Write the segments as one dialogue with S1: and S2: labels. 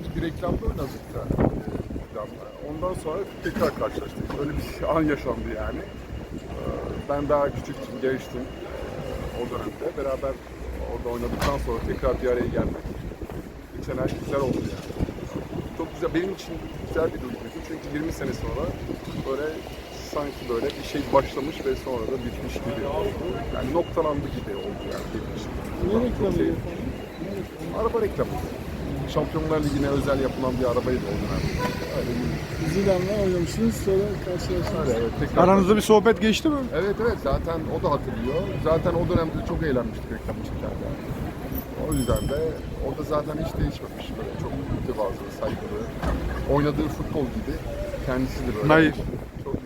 S1: bir reklamda oynadık da. Reklamda. Ondan sonra tekrar karşılaştık. Öyle bir an yaşandı yani. Ben daha küçüktüm, gençtim o dönemde. Beraber orada oynadıktan sonra tekrar bir araya gelmek. Geçen ay güzel oldu yani. Çok güzel, benim için güzel bir duyguydu. Çünkü 20 sene sonra böyle sanki böyle bir şey başlamış ve sonra da bitmiş gibi oldu. Yani noktalandı gibi oldu yani benim için.
S2: Ne reklamı?
S1: Araba reklamı. Şampiyonlar Ligi'ne özel yapılan bir arabaydı o dönem. Öyle bir...
S2: Zidane'la oynamışsınız, sonra karşılaştınız.
S1: Evet, tekrar
S3: Aranızda bir sohbet geçti mi?
S1: Evet zaten o da hatırlıyor. Zaten o dönemde çok eğlenmiştik reklam çekerken. O yüzden de orada zaten hiç değişmemiş böyle çok mütevazı, saygılı. Oynadığı futbol gibi kendisi de böyle.
S3: Hayır.
S1: Çok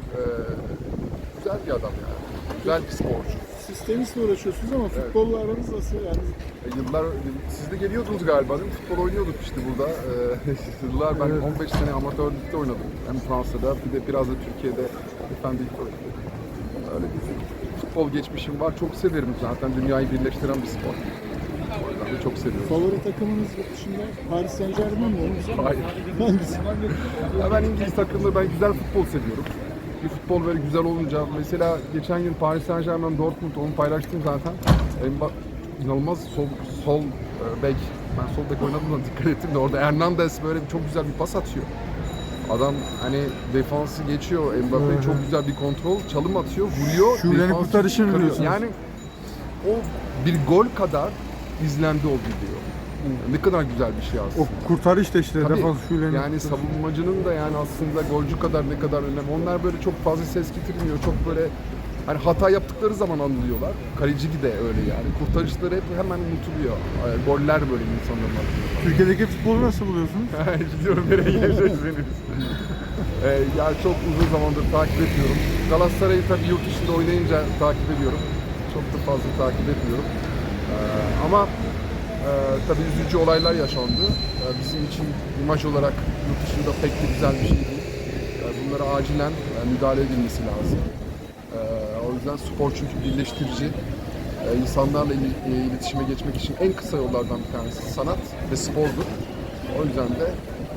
S1: güzel bir adam yani. Güzel bir sporcu.
S2: Siz tenisle uğraşıyorsunuz ama futbolla aranız nasıl yani?
S1: Yıllar, siz de geliyordunuz galiba değil mi? Futbol oynuyorduk işte burada. Yıllar ben 15 sene amatör ligde oynadım. Hem Fransa'da bir de biraz da Türkiye'de efendilikte oynadım. Öyle bir futbol geçmişim var. Çok severim zaten. Dünyayı birleştiren bir spor. O yüzden de çok seviyorum.
S2: Favori takımınız yurt dışında Paris Saint-Germain mi?
S1: Hayır.
S2: Hangisi?
S1: Ya ben İngiliz takımları, ben güzel futbol seviyorum. Bir futbol böyle güzel olunca, mesela geçen gün Paris Saint-Germain Dortmund, onu paylaştım zaten. İnanılmaz sol bek, ben sol bek oynadım da dikkat ettim de orada Hernandez böyle çok güzel bir pas atıyor. Adam hani defansı geçiyor, Mbappe çok güzel bir kontrol, çalım atıyor, vuruyor.
S3: Şule'nin kurtarışını
S1: çıkarıyor.
S3: biliyorsunuz.
S1: Yani o bir gol kadar izlendi o video. Ne kadar güzel bir şey aslında.
S3: O kurtarış da işte
S1: Tabii,
S3: defans Şule'nin.
S1: yani savunmacının da yani aslında golcü kadar ne kadar önemli. Onlar böyle çok fazla ses getirmiyor. Çok böyle hani hata yaptıkları zaman anlıyorlar. Kaleci de öyle yani. Kurtarışları hep hemen unutuluyor. Goller böyle insanların atıyor.
S3: Türkiye'deki futbolu nasıl buluyorsunuz?
S1: Gidiyorum nereye geleceksiniz? Yani çok uzun zamandır takip ediyorum. Galatasaray'ı tabii yurt dışında oynayınca takip ediyorum. Çok da fazla takip etmiyorum. Ama tabii üzücü olaylar yaşandı. Bizim için imaj olarak yurt dışında pek de güzel bir şey değil. Bunlara acilen müdahale edilmesi lazım. O yüzden spor çünkü birleştirici. İnsanlarla iletişime geçmek için en kısa yollardan bir tanesi sanat ve spordur. O yüzden de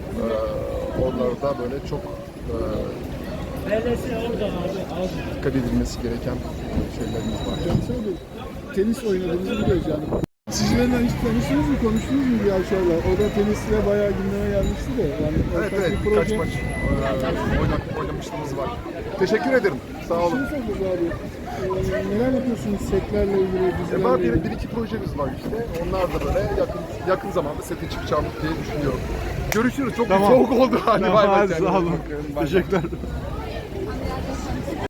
S1: oralarda böyle çok dikkat edilmesi gereken şeylerimiz var.
S2: Cansel Bey, tenis oynadığınızı biliyoruz yani. Sizlerle hiç tanıştınız mı, konuştunuz mu bir Avşar'la? O da tenisle bayağı gündeme gelmişti de. Yani
S1: Evet,
S2: bir
S1: birkaç
S2: proje.
S1: maç oynamışlığımız var. Teşekkür ederim. Sağ olun.
S2: Şunu soracağız abi. Neler yapıyorsunuz setlerle ilgili, dizilerle
S1: Var
S2: ilgili?
S1: bir iki projemiz var işte. Onlar da böyle yakın zamanda sete çıkacağım diye düşünüyorum. Görüşürüz. Çok
S3: Tamam.
S1: soğuk oldu. Hadi bay bay.
S3: Sağ olun.
S1: Bakın, bay bay.
S3: Teşekkürler.